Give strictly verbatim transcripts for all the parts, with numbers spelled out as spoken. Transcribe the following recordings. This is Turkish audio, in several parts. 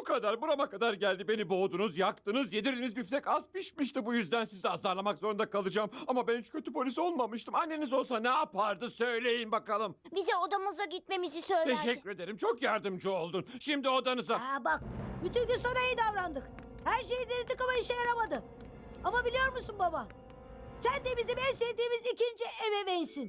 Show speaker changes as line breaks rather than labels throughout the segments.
kadar, burama kadar geldi. Beni boğdunuz, yaktınız, yedirdiniz, biftek az pişmişti. Bu yüzden sizi azarlamak zorunda kalacağım. Ama ben hiç kötü polis olmamıştım. Anneniz olsa ne yapardı söyleyin bakalım.
Bize odamıza gitmemizi söylerdi.
Teşekkür ederim, çok yardımcı oldun. Şimdi odanıza.
Aa bak, bütün gün sana iyi davrandık. Her şeyi denedik ama işe yaramadı. Ama biliyor musun baba? Sen de bizim en sevdiğimiz ikinci ebeveynsin.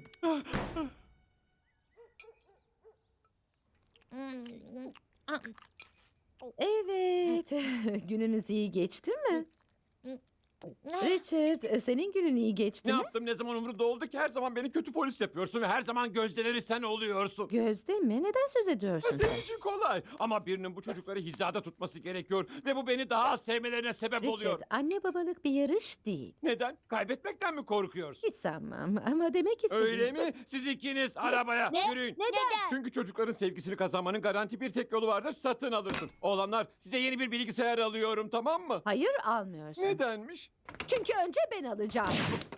Evet. Gününüz iyi geçti mi? Richard, e, senin günün iyi geçti
Ne
mi?
yaptım, ne zaman umurumda oldu ki? Her zaman beni kötü polis yapıyorsun ve her zaman gözdeleri sen oluyorsun.
Gözde mi? Neden söz ediyorsun sen?
Senin için kolay ama birinin bu çocukları hizada tutması gerekiyor ve bu beni daha az sevmelerine sebep oluyor.
Richard, anne babalık bir yarış değil.
Neden? Kaybetmekten mi korkuyorsun?
Hiç sanmam ama demek istedim.
Öyle mi? Siz ikiniz arabaya yürüyün.
Neden?
Çünkü çocukların sevgisini kazanmanın garanti bir tek yolu vardır, satın alırsın. Oğlanlar, size yeni bir bilgisayar alıyorum, tamam mı?
Hayır, almıyorsun.
Nedenmiş?
Çünkü önce ben alacağım.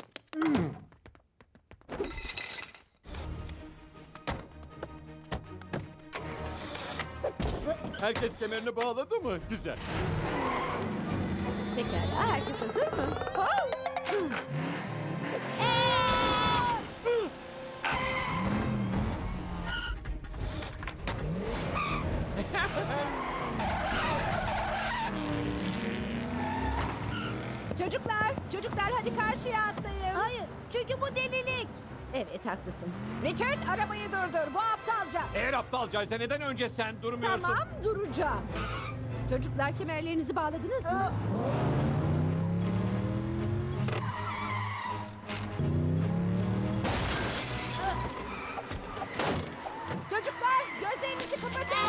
Herkes kemerini bağladı mı? Güzel.
Pekala, herkes hazır mı? Oh! Çocuklar, çocuklar hadi karşıya atlayın.
Hayır, çünkü bu delilik.
Evet, haklısın. Richard, arabayı durdur. Bu aptalca.
Eğer aptalcaysa neden önce sen durmuyorsun?
Tamam, duracağım. Çocuklar, kemerlerinizi bağladınız mı?
Aa,
Çocuklar, gözlerinizi kapatın.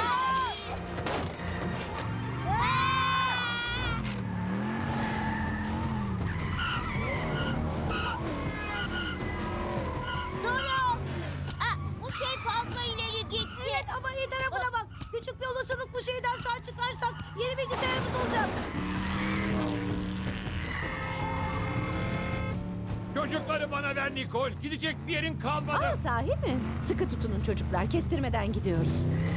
Durun. Aa, bu şey fazla ileri gitti.
Evet ama iyi tarafına bak. Küçük bir olasılık bu şeyden sağ çıkarsak yeni bilgisayarımız olacak.
Çocukları bana ver Nicole. Gidecek bir yerin kalmadı.
Aa, sahi mi? Sıkı tutunun çocuklar, kestirmeden gidiyoruz.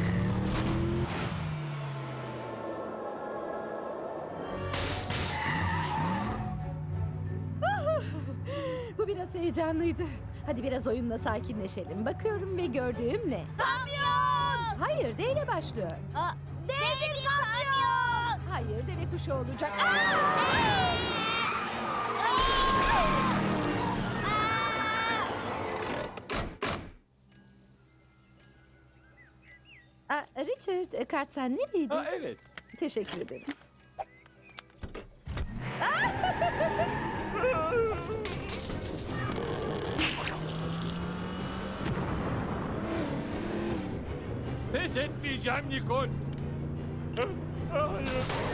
Bu biraz heyecanlıydı. Hadi biraz oyunla sakinleşelim. Bakıyorum ve gördüğüm ne?
Kamyon.
Hayır, D ile başlıyor.
Aa, dev bir kamyon.
Hayır, deve kuşu olacak. Aa, Richard, e, kart sen nereydi?
Ha evet.
Teşekkür ederim.
Pes etmeyeceğim Nicole. Hayır.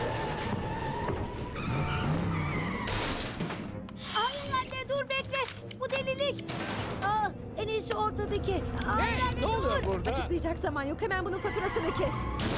Hayır anne dur bekle. Bu delilik. Aa, en iyisi ortadaki. Hayır anne
Ne
dur.
oluyor burada?
Açıklayacak zaman yok. Hemen bunun faturasını kes.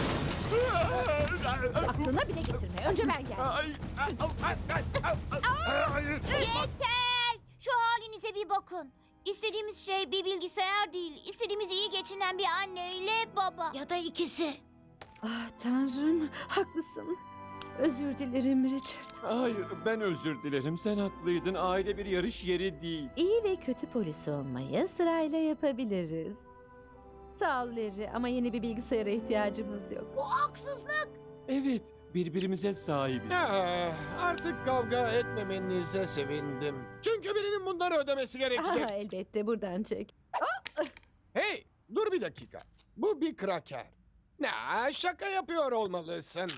Aklına bile getirme. Önce ben gel.
Ay, ay, ay, ay, ay, ay, hayır.
Yeter. Şu halinize bir bakın. İstediğimiz şey bir bilgisayar değil. İstediğimiz iyi geçinen bir anne ile baba.
Ya da ikisi.
Ah Tanrım, haklısın. Özür dilerim Richard.
Hayır, ben özür dilerim. Sen haklıydın. Aile bir yarış yeri değil.
İyi ve kötü polis olmayı sırayla yapabiliriz. Sağ ol Larry ama yeni bir bilgisayara ihtiyacımız yok.
Bu haksızlık.
Evet, birbirimize sahibiz.
Ah, artık kavga etmemenize sevindim. Çünkü birinin bunları ödemesi
Aha,
gerekecek.
elbette buradan çek.
Hey, dur bir dakika. Bu bir kraker. Ne, şaka yapıyor olmalısın.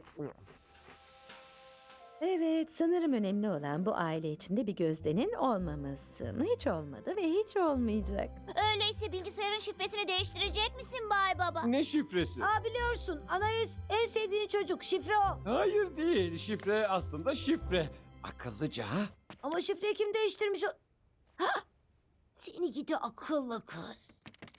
Evet, sanırım önemli olan bu aile içinde bir gözdenin olmaması. Hiç olmadı ve hiç olmayacak.
Öyleyse bilgisayarın şifresini değiştirecek misin Bay Baba?
Ne şifresi?
Aa biliyorsun Anais en sevdiğin çocuk şifre o.
Hayır değil. Şifre aslında şifre. Akıllıca ha?
Ama şifreyi kim değiştirmiş o? Hah! Seni gidi akıllı kız.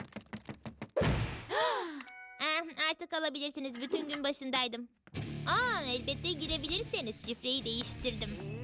Eh, artık alabilirsiniz. Bütün gün başındaydım. Aa, elbette girebilirseniz şifreyi değiştirdim.